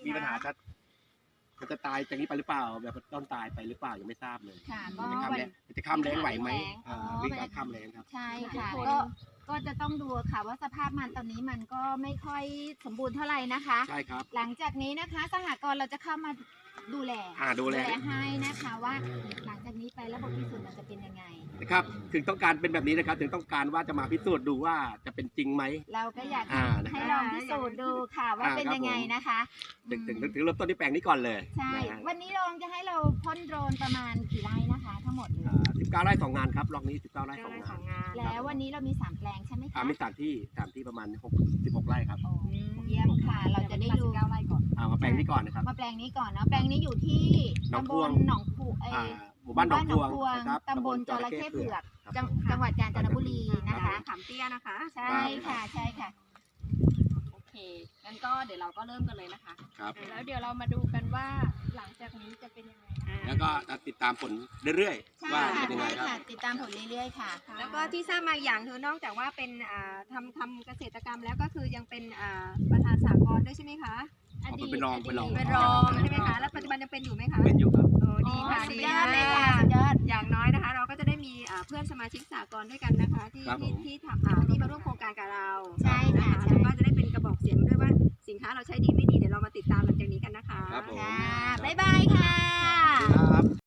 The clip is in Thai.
มีปัญหาจะมันจะตายจากนี้ไปหรือเปล่าแบบต้นตายไปหรือเปล่ายังไม่ทราบเลยค่ะจะข้ามแรงไหวไหมอ๋อวิ่งการข้ามแรงครับใช่ค่ะก็จะต้องดูค่ะว่าสภาพมันตอนนี้มันก็ไม่ค่อยสมบูรณ์เท่าไหร่นะคะใช่ครับหลังจากนี้นะคะสหกรณ์เราจะเข้ามาดูแลดูแลให้นะคะว่าหลังจากนี้ไประบบพิสูจน์มันจะเป็นยังไงนะครับถึงต้องการเป็นแบบนี้นะครับถึงต้องการว่าจะมาพิสูจน์ดูว่าจะเป็นจริงไหมเราก็อยากนะครับให้ลองพิสูจน์ดูค่ะว่าเป็นยังไงนะคะถึงเริ่มต้นที่แปลงนี้ก่อนเลยใช่ วันนี้ลองจะให้เราพ่นโดรนประมาณกี่ไร่นะคะทั้งหมดเลย 19 ไร่ 2 งานครับล็อกนี้ 19 ไร่ 2 งานแล้ววันนี้เรามี3แปลงใช่ไหมคะมี3 ที่ประมาณ16 ไร่ครับเยี่ยมค่ะ เราจะได้ดู 9 ไร่ก่อนมาแปลงนี้ก่อนนะครับมาแปลงนี้ก่อนเนาะแปลงนี้อยู่ที่หนองตำพบวลงหนองผูหมู่บ้านหนองพวง นะครับตำบลจระเข้เผือกครับจังหวัดกาญจนบุรีนะคะขามเตี้ยนะคะใช่ค่ะใช่ค่ะโอเคงั้นก็เดี๋ยวเราก็เริ่มกันเลยนะคะครับแล้วเดี๋ยวเรามาดูกันว่าหลังจากนี้จะเป็นยังไงแล้วก็ติดตามผลเรื่อยใช่ๆว่าค่ะเป็นยังไงใช่ครับค่ะ ติดตามผลเรื่อยๆค่ะแล้วก็ที่ทราบมาอย่างคือนอกจากว่าเป็นทำเกษตรกรรมแล้วก็คือยังเป็นประธานสหกรณ์ด้วยใช่ไหมคะเป็นรองเป็นรองใช่ไหมคะแล้วปัจจุบันยังเป็นอยู่ไหมคะเป็นอยู่ครับโอ้ดีค่ะสุดีดยอดเลยค่ะสุดยอดอย่างน้อยนะคะ เราก็จะได้มีเพื่อนสมาชิกสหกรณ์ด้วยกันนะคะที่ครับผมที่มาร่วมโครงการกับเราใช่ค่ะนแล้วก็จะได้เป็นกระบอกเสียงด้วยว่าสินค้าเราใช้ดีไม่ดีเดี๋ยวเรามาติดตามหลังจากนี้กันนะคะครับผมค่ะบ๊ายบายค่ะ